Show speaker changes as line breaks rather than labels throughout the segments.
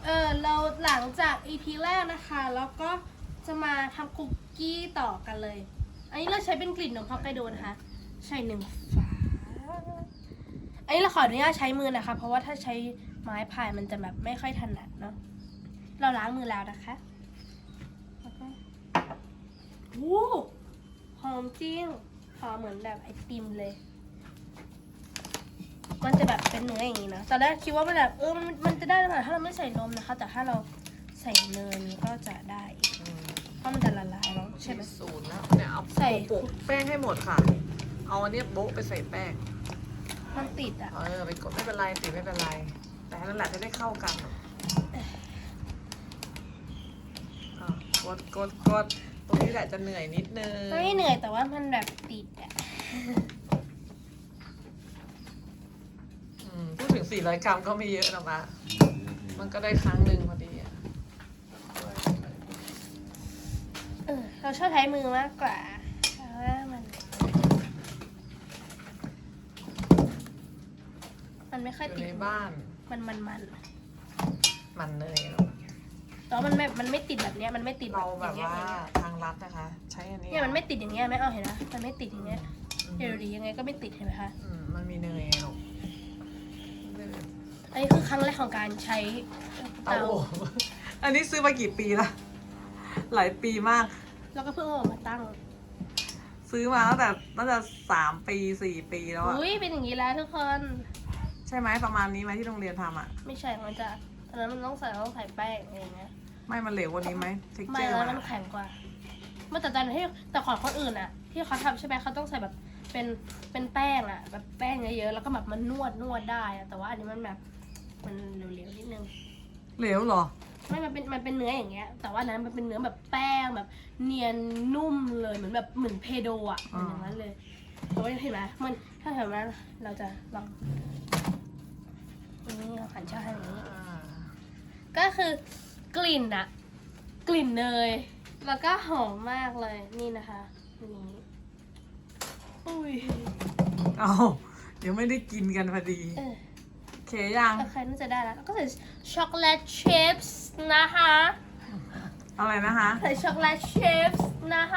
เราหลังจาก EP แรกนะคะแล้วก็จะมาทำคุกกี้ต่อกันเลยอันนี้เราใช้เป็นกลิ่นนมฮอกไกโดนะคะใส่1 ฝาอันนี้เราขออนุญาตใช้มือนะคะเพราะว่าถ้าใช้ไม้พายมันจะแบบไม่ค่อยถนัดเนาะเราล้างมือแล้วนะคะโอ้หอมจริงหอมเหมือนแบบไอติมเลยมันจะแบบเป็นเนื้ออย่างนี้นะตอนแรกคิดว่ามันแบบมันจะได้หรือเปล่าถ้าเราไม่ใส่นมนะคะแต่ถ้าเราใส่เนยนี้ก็จะได้เพราะมันจะละลายแล้วใช่ไหม
สูตรแล้วเนี่ยเอาโปะแป้งให้หมดค่ะเอาอันนี้โบ๊ะไปใส่แป้ง
มันติดอ่ะ
ไปกดไม่เป็นไรติไม่เป็นไรแต่นั่นแหละจะได้เข้ากันกดตรงนี้แหละจะเหนื่อยนิดนึง
ไม่เหนื่อยแต่ว่ามันแบบติดอ่ะ
พูดถึง400 กรัมก็ไม่เยอะนะมะมันก็ได้ครั้งหนึ่งพอดีอะ
เราชอบใช้มือมากกว่าเพราะว่ามันไม่ค่อย
อยู่
ติด
ในบ้าน
มัน
เนย
แต่ว่ามันไม่ติดแบบเนี้ยมันไม่ติด
เราแบบ
อย่ง
ว่า
เงี้ย
ทางรัฐนะคะ ใช้อันนี้
เนี่ยมันไม่ติดอย่างเงี้ยไม่เอาเห็นนะมันไม่ติดอย่างเงี้ยเดี๋ยวดียังไงก็ไม่ติดเห็นไหมคะ
มันมีเนยหรอก
อันนี้คือครั้งแรกของการใช้
เตาอันนี้ซื้อมากี่ปีละหลายปีมาก
แล้วก็เพิ่งเอามาตั้ง
ซื้อมาตั้งแต่3 ปี 4 ปีแล้วอะ
อุ้ยเป็นอย่างนี้แล้วทุกคน
ใช่ไหมประมาณนี้ไหมที่โรงเรียนทำอะ
ไม่ใช่มันจะตอนนั้นมันต้องใส่แป้งอะไรอย่างเงี้ย
ไม่มันเหลวกว่านี้ไหมเท็ก
ไม่
เจอร์
แล้วมันแข็งกว่าเมื่อแต่ของคนอื่นอะที่เขาทำใช่ไหมเขาต้องใส่แบบเป็นแป้งอะแบบแป้งเยอะๆแล้วก็แบบมันนวดได้อะแต่ว่าอันนี้มันแบบมันเหลวๆนิดนึง
เหลวเหรอ
ไม่มันเป็นเนื้ออย่างเงี้ยแต่ว่านั้นมันเป็นเนื้อแบบแป้งแบบเนียนนุ่มเลยเหมือนเพโดอะเหมือนอย่างนั้นเลยแต่ว่าเห็นไหมมันถ้าเห็นไหมเราจะลองนี่เราหันช่าให้อย่างนี้ ก็คือกลิ่นอะกลิ่นเนยแล้วก็หอมมากเลยนี่นะคะนี่อุ้ย
เอาเดี๋ยวไม่ได้กินกันพอดีเคยัง
โอเคน่าจะได้แล้วก็ใส่ช็อกโกแลตชิพส์นะคะ
อะไรนะคะ
ใส่ช็อกโกแลตชิพส์นะคะ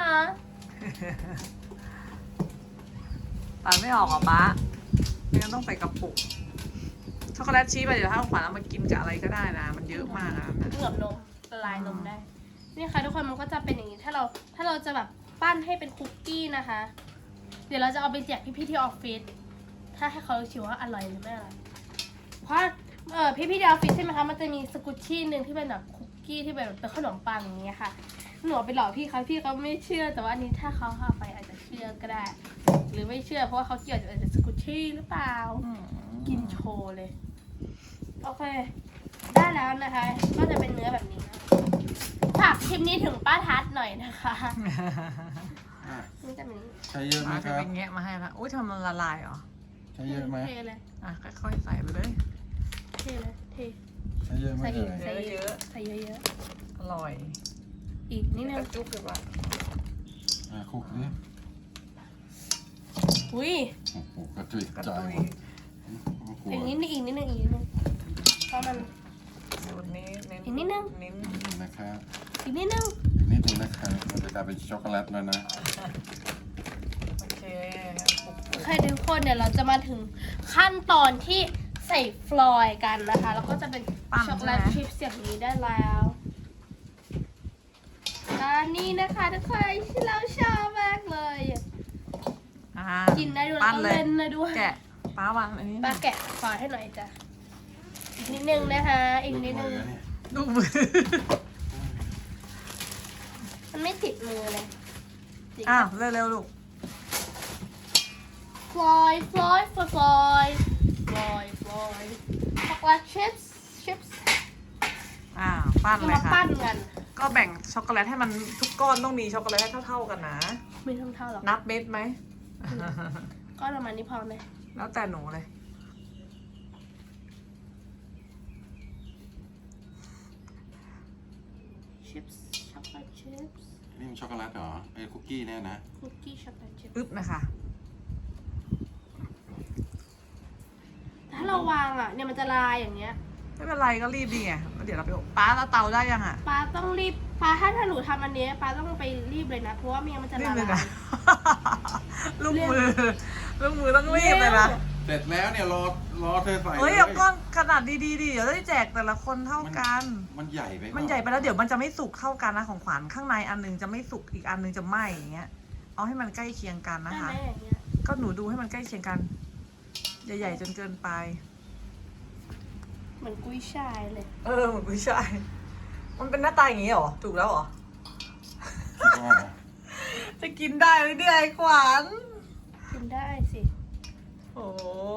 ตัดไม่ออกหรอป๊าไม่งั้นต้องใส่กระปุกช็อกโกแลตชีสไปเดี๋ยวถ้าขวัญเอามากินกับอะไรก็ได้นะมันเยอะมากนะ
เหมือนนมละลายนมได้นี่ค่ะทุกคนมันก็จะเป็นอย่างนี้ถ้าเราจะแบบปั้นให้เป็นคุกกี้นะคะ เดี๋ยวเราจะเอาไปแจกพี่ๆที่ออฟฟิศถ้าให้เขาชิมว่าอร่อยหรือไม่อร่อยเพราะพี่ที่ออฟฟิศใช่ไหมคะมันจะมีสกุชชี่หนึ่งที่เป็นแบบคุกกี้ที่เป็นขนมปังอย่างเงี้ยค่ะหนูไปหลอกพี่เขาไม่เชื่อแต่ว่าอันนี้ถ้าเขาเอาไปอาจจะเชื่อก็ได้ หรือไม่เชื่อเพราะว่าเขาเกี่ยวกับสกุชชี่หรือเปล่ากินโชว์เลยโอเคได้แล้วนะคะก็จะเป็นเนื้อแบบนี้นะฝากคลิปนี้ถึงป้าทัศน์หน่อยนะคะนี่จะเป็น
ใช้เยอะไหม
มา
ครับ
เป็นแงะมาให้ละอุ้ยทำมันละลายเหรอ
ใช้เยอะไหม
เทเลย
ค่อยๆใส่ไปเลย
เทเลยเท
ใช้เยอะไหม
ใส่อีก
เอ่ย
ใส่เยอะ
อร่อย
ๆอีกนิดนึง
จุ๊บเลยว่ะ
คลุกนี่
อุ้ย
โอ้โหกระจุยกระจายหมดกลัว
อีกนิดนึงเพราะมัน
สูตรนี้เน้น
อีกนิดนึง
เน้น
นะครับ
อีกนิดนึง
อีกนิดนึงนะครับมันจะกลายเป็นช็อกโกแลตแล้วนะ
โอเค
โอเคทุกคนเดี๋ยวเราจะมาถึงขั้นตอนที่ใส่ฟลอยด์กันนะคะ แล้วก็จะเป็นช็อกโกแลตชิพส์อย่างนี้ได้แล้วอันนี้นะคะทุกคนที่เราชอบมากเลยกินได้ด้วยแล้วก็เล่นได้ด้วย
แกะป้าวางอันนี้
ป้าแกะฟลอยด์ให้หน่อยจ้ะอีกนิดนึงนะคะอีกนิดนึง
ดูมือ
มันไม่ติดมือเลยจริง
อ้าวเร็วๆลูก
ฟลอยด์ช็อกโกแลตชิพส์
ปั้น
จะ
เลย
มา
ค่ะ
ปั้นกัน
ก็แบ่งช็อกโกแลตให้มันทุกก้อนต้องมีช็อกโกแลตให้เท่าๆกันนะ
ไม่เท่าหรอก
นับเม็ดไหม
ก็ประมาณนี้พอไหม
แล้วแต่หนูเลย
ชิพส์ช็อกโกแลตชิพส์
นี่มันช็อกโกแลตเหรอไอ้คุกกี้เนี่ยนะ
คุกกี้ช็อกโกแลตชิพส์
อึ๊บนะคะ
ถ้าเราวางอ่ะเนี่ยมันจะลายอย่างเงี้ย
ไม่เป็นไรก็รีบดีไงแล้วเดี๋ยวเราไปอบป้าแล้วเตาได้ยังอ่ะ
ป้าต้องรีบป้าถ้าหนูทำอันนี้ป้าต้องไปรีบเลยนะ เพราะว่าไม่งั้นมันจะ
รี
ละ
บเลย
ลา
นะ
ย
ลูกมือต้องรีบเลยนะ
เสร็จแล้วเนี่ยรอเธอใส่
เฮ้ย
ล
เอาก้อนขนาดดีๆดิเดี๋ยวได้แจกแต่ละคนเท่ากัน
มันใหญ่ไป
มันใหญ่ไปแล้วเดี๋ยวมันจะไม่สุกเท่ากันนะของขวัญข้างในอันนึงจะไม่สุกอีกอันนึงจะไหม้อย่างเงี้ย เอาให้มันใกล้เคียงกัน
ได้
นะคะ
ไหมอย่างเงี้ย
ก็หนูดูให้มันใกล้เคียงกันใหญ่ๆจนเกินไป
เหมือนกุ้ยช่ายเลย
เหมือนผู้ชายมันเป็นหน้าตาอย่างงี้เหรอถูกแล้วเหรอ จะกินได้ไหมเนี่ยไอ้ขวัญ
กินได้สิ
โอ้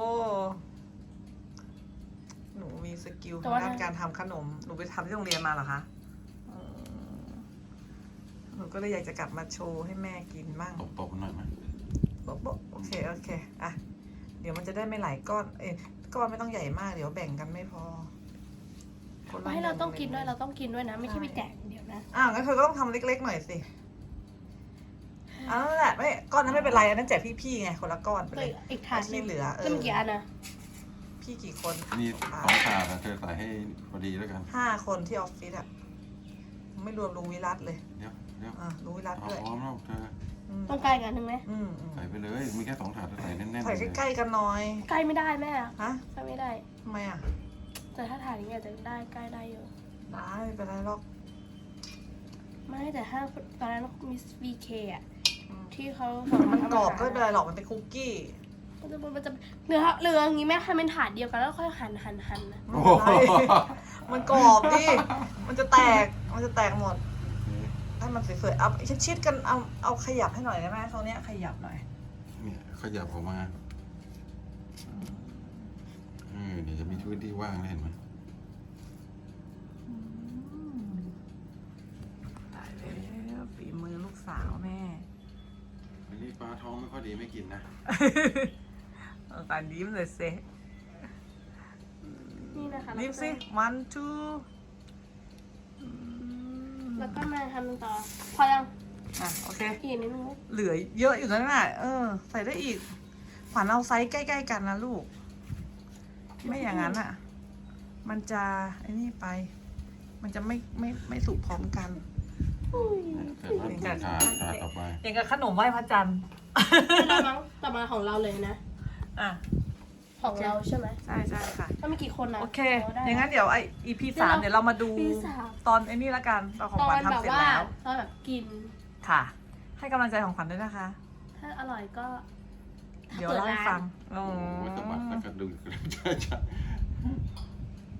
หนูมีสกิลทางด้านการทำขนม หนูไปทำที่โรงเรียนมาเหรอคะอืมหนูก็เลยอยากจะกลับมาโชว์ให้แม่กินบ้าง
ตบๆหน่อยไหม
โบ๊ะโอเคอ่ะเดี๋ยวมันจะได้ไม่หลายก้อนก้อนไม่ต้องใหญ่มากเดี๋ยวแบ่งกันไม่พอคนละ
ให้เราต้องกินด้วย
ห
เราต้องกินด้วยนะ ไม่ใช่ไปแจกอย่างเดียวนะ
งั้นเธอก็ต้องทำเล็กๆหน่อยสินั่นแหละไม่ก้อนนั้นไม่เป็นไรอันนั้นแจกพี่ๆไงคนละก้อนไป
ก็
เลย
อีกถาดหนึ
ที่
ง
เหลือ
แล้วมันกี่อันนะ
พี่กี่คน
มี2 ถาดนะเธอใส่ให้พอดีแล้วกัน
5 คนที่ออฟฟิศอะไม่รวมลุงวิรัตเลย
เดี๋ยว
ลุงวิรัต
เอา
ด้วย
พร้อมแล้วเธอ
ต้องใกล้กันหนึ่งไหม
อืม
ใส่ไปเลย มีแค่2 ถาดเธอใส่แน่นๆ
ใส่
เลย
ใกล้ๆกันหน่อย
ใกล้ไม่ได้แม่
ฮะ
ใกล้ไม่ได้
ทำไมอะ
แต่ถ้าถ่ายอย่างเงี้ยจะได้ใกล้ได้อยู่
ได้ไม่เป็นไรหรอก
ไม่แต่ถ้าตอนนั้นมิส VK อ่ะ
อืม
ที่เขา
มันกรอบก็ไม่เป็นไรหรอกมันเป็นคุกกี้
มันจะเหลืออย่างงี้แม่ให้เป็นถาดเดียวกันแล้วค่อยหั่นนะ
ไม่เป็นไรมันกรอบดิมันจะแตกหมดให้มันสวยๆเอาชิดๆกันเอาขยับให้หน่อยได้ไหมตรงเนี้ยขยับหน่อย
เนี่ยขยับออกมาเดี๋ยวจะมีพื้นที่ว่างเลยเห็นไหม
ตายแล้วฝีมือลูกสาวแม่
วันนี้ปลาท้องไม่ค่อยดีไม่กินนะ
ตายิ้มเลยเซ
นี่นะคะ
ยิ้มสิ one two
แล้วก็มาทำต่อ พอยัง
โอเค
อีกนิดนึง
เหลือเยอะอยู่นั่นน่ะใส่ได้อีกขวัญเอาไซส์ใกล้ๆกันนะลูก ไม่อย่างนั้นอ่ะ มันจะไอ้นี่ไป มันจะไม่สุกพร้อมกัน
เสร็จแล้วถาดต่อไป
อย่างกับขนมไหว้พระจันทร์
ได้มั้งต่อมาของเราเลยนะ
อ่ะ
ของเราใช่ไหม
ใช่ค่ะ
ถ้ามีกี่คนนะ
โอเค
ได้
อย่างนั้นเดี๋ยวEP 3เดี๋ยวเรามาดู
EP 3
ตอนไอ้นี่ละกันตอนของ
ตอ
ขวัญ
นแบบ
ทำเสร็จ
ว่า
แล้ว
ตอนแบบกิน
ค่ะ ให้กำลังใจของขวัญด้วยนะคะ
ถ้าอร่อยก็
เดี๋ยวเล่าให้ฟัง
โอ้ยสะบัดตะกระดุกใช่